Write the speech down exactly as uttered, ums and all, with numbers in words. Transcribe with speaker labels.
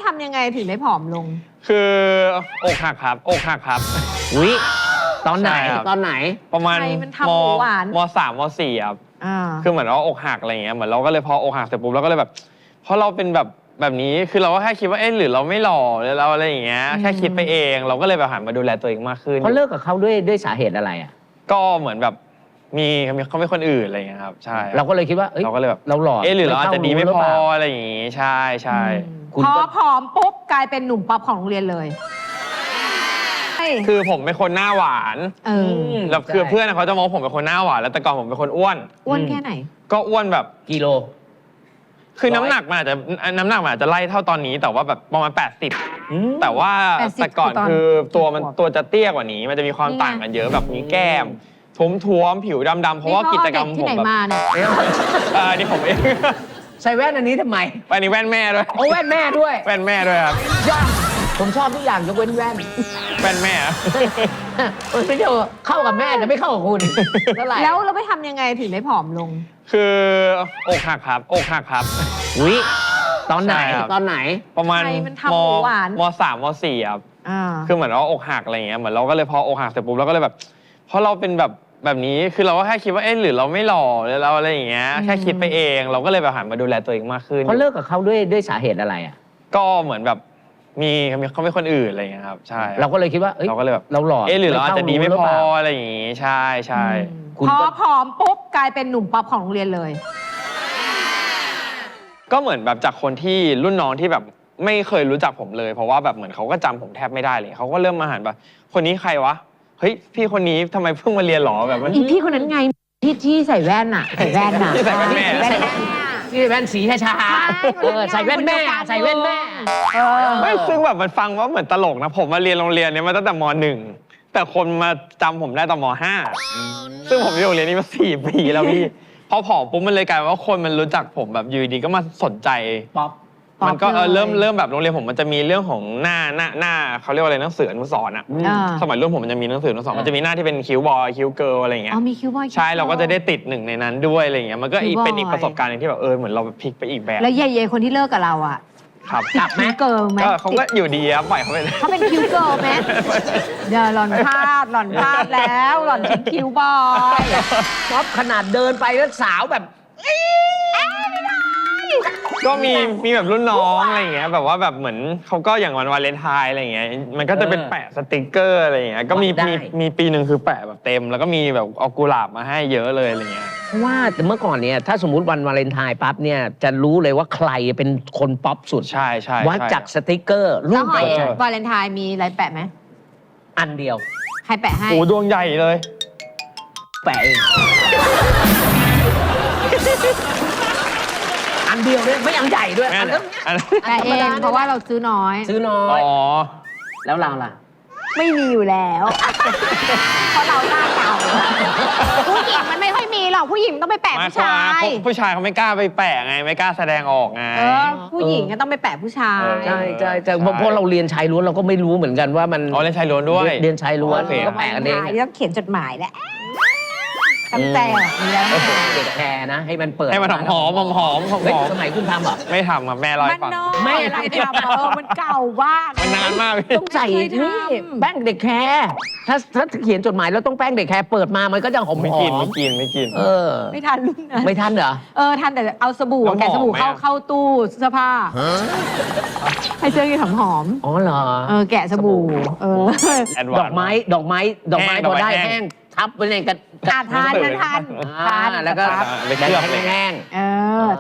Speaker 1: ำยังไงถึงได้ผอมลง
Speaker 2: คืออกหักครับอกหักครับ
Speaker 3: อุ๊ยตอนไหนตอนไหน
Speaker 2: ประมาณมมสามมสี่ครับ
Speaker 1: คื
Speaker 2: อเหมือนว่าอกหักอะไรเงี้ยเหมือนเราก็เลยพออกหักเสร็จปุ๊บเราก็เลยแบบเพราะเราเป็นแบบแบบนี้คือเราก็แค่คิดว่าเอ๊ะหรือเราไม่หล่อหรือเราอะไรอย่างเงี้ยแค่คิดไปเองเราก็เลยแบบหันมาดูแลตัวเองมากขึ้น
Speaker 3: เขาเลิกกับเขาด้วยด้วยสาเหตุอะไรอ่ะ
Speaker 2: ก็เหมือนแบบมีเขาไม่คนอื่นอะไรเงี้ยครับใช่
Speaker 3: เราก็เลยคิดว่า
Speaker 2: เราก็เลยแบบ
Speaker 3: เราหล่อ
Speaker 2: เอ๊ะหรือเราอาจจะดีไม่พออะไรอย่างงี้ใช่ใช่
Speaker 1: พอผอมปุ๊บกลายเป็นหนุ่มป๊อปของโรงเรียนเลย
Speaker 2: คือผมเป็นคนหน้าหวานแล้วคือเพื่อนเขาจะมองผมเป็นคนหน้าหวานแล้วแต่ก่อนผมเป็นคนอ้วน
Speaker 1: อ้วนแค่ไหน
Speaker 2: ก็อ้วนแบบ
Speaker 3: กิโล
Speaker 2: คือน้ำหนักมันอาจจะน้ำหนักมันอาจจะไล่เท่าตอนนี้แต่ว่าแบบประมาณแปดสิบแต่ว่าแต่ก่อนคือตัวมันตัวจะเตี้ยกว่านี้มันจะมีความต่างกันเยอะแบบมีแก้มท้วมๆผิวดำๆเพราะว่ากิจกรรมผมแบบเออนี่ผมเอง
Speaker 3: ใส่แว่นอันนี้ทำไม
Speaker 2: อันนี้แว่นแม่ด้วย
Speaker 3: โอ้แว่นแม่ด้วย
Speaker 2: แว่นแม่ด้วยครับ
Speaker 3: ผมชอบทุกอย่างยกเว้นแว่น
Speaker 2: แว่นแม่
Speaker 3: เออไม่เจอเข้ากับแม่แต่ไม่เข้ากับคุณ
Speaker 1: เท่าไหร่แล้วเราไปทำยังไงถึงได้ผอมลง
Speaker 2: คืออกหักครับอกหักครับ
Speaker 3: อุ๊ยตอนไหนตอนไหน
Speaker 2: ประมาณมมสามมสี่ครับคือเหมือนว่าอกหักอะไรเงี้ยเหมือนเราก็เลยพออกหักเสร็จปุ๊บเราก็เลยแบบเพราะเราเป็นแบบแบบนี้คือเราก็แค่คิดว่าเอ๊ะหรือเราไม่หล่อหรือเราอะไรอย่างเงี้ยแค่คิดไปเองเราก็เลยแบบหันมาดูแลตัวเองมากขึ้น
Speaker 3: เขาเลิกกับเขาด้วยด้วยสาเหตุอะไรอ่ะ
Speaker 2: ก็เหมือนแบบมีเขาไม่คนอื่นอะไรอย่างเงี้ยครับใช่
Speaker 3: เราก็เลยคิดว่า
Speaker 2: เราก็เลยแบบ
Speaker 3: เราหล่อ
Speaker 2: เอ๊ะหรือเราอาจจะดีไม่พออะไรอย่างงี้ใช่ใช่
Speaker 1: พอผอมปุ๊บกลายเป็นหนุ่มป๊อปของโรงเรียนเลย
Speaker 2: ก็เหมือนแบบจากคนที่รุ่นน้องที่แบบไม่เคยรู้จักผมเลยเพราะว่าแบบเหมือนเขาก็จำผมแทบไม่ได้เลยเขาก็เริ่มมาหันแบบคนนี้ใครวะเฮ้ยพี่คนนี้ทำไมเพิ่งมาเรียนหรอแบบ
Speaker 1: อีพี่คนนั้นไงที่ที่ใส่แว่นอะใส่แว่นอะ
Speaker 2: ที่ใส่แว่นแม่
Speaker 3: ที่แว่นสีชาเออใส่แว่นแม่ใส่แว่นแม่
Speaker 2: ไม่ซึ่งแบบมันฟังว่าเหมือนตลกนะผมมาเรียนโรงเรียนนี้มาตั้งแต่มหนึ่งแต่คนมาจำผมได้ตอนมห้าซึ่งผมอยู่โรงเรียนนี้มาสี่ปีแล้วพี่พอผอมปุ๊บมันเลยกลายว่าคนมันรู้จักผมแบบอยู่ดีก็มาสนใจ
Speaker 3: ป๊อป
Speaker 2: มันก็เริ่มเริ่มแบบโรงเรียนผมมันจะมีเรื่องของหน้าหน้าหน้าเขาเรียกว่าอะไรหนังสืออนุสรณ์อ่ะสมัยรุ่นผมมันจะมีหนังสืออนุสรณ์มันจะมีหน้าที่เป็นคิวบอยคิวเกิร์ลอะไรอย่างเงี้ย
Speaker 1: อ๋อมีคิวบอย
Speaker 2: ใช่เราก็จะได้ติดหนึ่งในนั้นด้วยอะไรอย่างเงี้ยมันก็เป็นอีกประสบการณ์นึงที่แบบเออเหมือนเราพลิกไปอีกแบบ
Speaker 1: แล้วเย่ๆคนที่เลิกกับเราอ่ะ
Speaker 2: ครับ
Speaker 1: กลับไหมเกิร์ลไหม
Speaker 2: ก็เขาก็อยู่ดีครับปล่อยเขาไป
Speaker 1: เขาเป็นคิวเกิร์ลไหมเดี๋ยวหล่อนพลาดหล่อนพลาดแล้วหล่อนทิ้งคิวบอย
Speaker 3: ป๊อปขนาดเดินไปแล้วสาวแบบ
Speaker 2: ก็มีมีแบบรุ่นน้องอะไรอย่างเงี้ยแบบว่าแบบเหมือนเขาก็อย่างวันวาเลนไทน์อะไรอย่างเงี้ยมันก็จะเป็นแปะสติกเกอร์อะไรอย่างเงี้ยก็มีมีมีปีหนึ่งคือแปะแบบเต็มแล้วก็มีแบบเอากุหลาบมาให้เยอะเลยอะไรเงี้ย
Speaker 3: เพราะว่าแต่เมื่อก่อนเนี่ยถ้าสมมุติวันวาเลนไทน์ปั๊บเนี่ยจะรู้เลยว่าใครเป็นคนป๊อปสุด
Speaker 2: ใช่ใช่
Speaker 3: วัดจากสติกเกอร์
Speaker 1: รูปแปะวาเลนไทน์มีอะไรแปะไหม
Speaker 3: อันเดียว
Speaker 1: ใครแปะให้
Speaker 2: โอ้ดวงใหญ่เลย
Speaker 3: แปะเองอันเดียวด้วยไม่อันใหญ่ด้วยอันนี้
Speaker 1: แต่เองเพราะว่าเราซื้อน้อย
Speaker 3: ซื้อน้อย
Speaker 2: อ๋อ
Speaker 3: แล้วเราล่ะ
Speaker 1: ไม่มีอยู่แล้วเพราะเราหน้าเก่าผู้หญิงมันไม่ค่อยมีหรอกผู้หญิงต้องไปแปะผู้ชาย
Speaker 2: ผู้ชายเขาไม่กล้าไปแปะไงไม่กล้าแสดงออกไง
Speaker 1: ผู้หญิงก็ต้องไปแปะผู้ชาย
Speaker 3: ใช่ใช่ใช่เพราะเราเรียนชายล้วนเราก็ไม่รู้เหมือนกันว่ามัน
Speaker 2: อ๋อเรียนชายล้วนด้วย
Speaker 3: เรียนชายล้วนก็แปะกันเอง
Speaker 1: ต้องเขียนจดหมายแหละตั้งแต่
Speaker 3: เด็กแคร์นะให้มันเปิด
Speaker 2: ให้มันหอมหอมหอมหอม
Speaker 3: สมัยคุณทำเหรอ
Speaker 2: ไม่ทำครับแม่ร้อย
Speaker 1: ปังแม่อะไรทำเออมันเก่ามาก
Speaker 2: มันนานมาก
Speaker 3: ต้องใส่นี่แป้งเด็กแคร์ถ้าถ้าเขียนจดหมายแล้วต้องแป้งเด็กแคร์เปิดมามันก็จะหอม
Speaker 2: ไม่กินไม่กินไม่กิน
Speaker 3: เออ
Speaker 1: ไม่ทันรุ่นนะ
Speaker 3: ไม่ทันเหรอ
Speaker 1: เออทันแต่เอาสบู่แกะสบู่เข้าเข้าตู้เสื้อผ้าให้เสื้อยืดหอม
Speaker 3: อ๋อเหรอ
Speaker 1: เออแกะสบู่เออ
Speaker 3: ดอกไม้ดอกไม้ดอกไม้พอได้แห้งทับไปในกระ
Speaker 1: ทานทานทาน
Speaker 3: แล้วก็
Speaker 2: ไปเคลือบ
Speaker 3: แห้ง
Speaker 1: เออ